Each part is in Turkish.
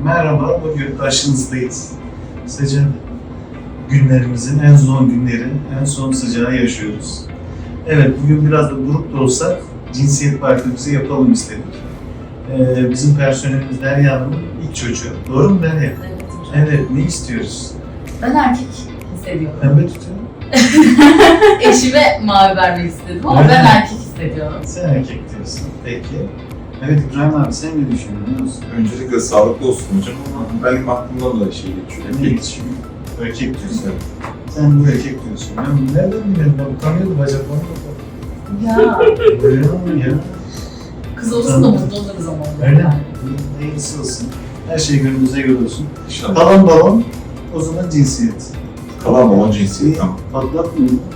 Merhaba, bugün karşınızdayız. Sıcak günlerimizin en son günleri, en son sıcağı yaşıyoruz. Evet, bugün biraz da grup da olsak cinsiyet partimizi yapalım istedik. Bizim personelimiz Derya Hanım'ın ilk çocuğu. Doğru mu Derya? Evet. Evet, ne istiyoruz? Ben erkek hissediyorum. Pembe tutuyorum. Eşime mavi vermek istedim ama Evet. ben erkek hissediyorum. Sen erkek diyorsun. Peki. Evet İbrahim abi sen ne düşünüyorsun? Öncelikle sağlıklı olsun hocam ama benim aklımdan da şey geçiyor. Ne geçiyor? Erkek diyorsun. Sen bu erkek diyorsun. Ben nereden biliyorum? Ben utanıyordum bacaklarına bakalım. Ya Böyle ya. kız olsun da mutlu oluruz ama. Öyle mi? Neyse olsun. Her şey gönlünüze göre olsun. İnşallah. Kalan balon, o zaman cinsiyet. Kalan balon cinsiyet tamam. Patlatmıyor mu?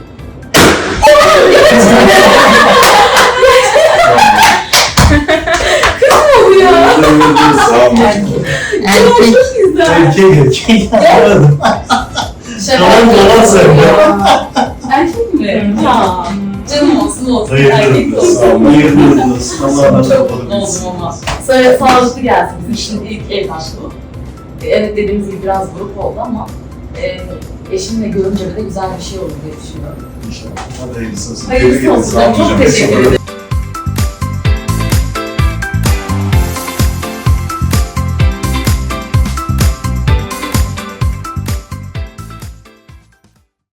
Ya. Sağ olun hocam. Erkek. Çok güzel. Erkek. Anladım. Kalan balon sen ya. Erkek mi? Ya. Canım olsun Hayırlı erkek olsun. olsun. Hayırlı olsun. Allah'a Çok mutlu oldum ama. Sonra sağlıklı gelsin bizim için ilk evlatlığı. Evet dediğimiz gibi biraz grup oldu ama eşimle görünce de güzel bir şey olur diye düşünüyorum. İnşallah. Hadi hayırlısı olsun. Hayırlısı olsun. Sağ olun Çok hocam. teşekkür ederim.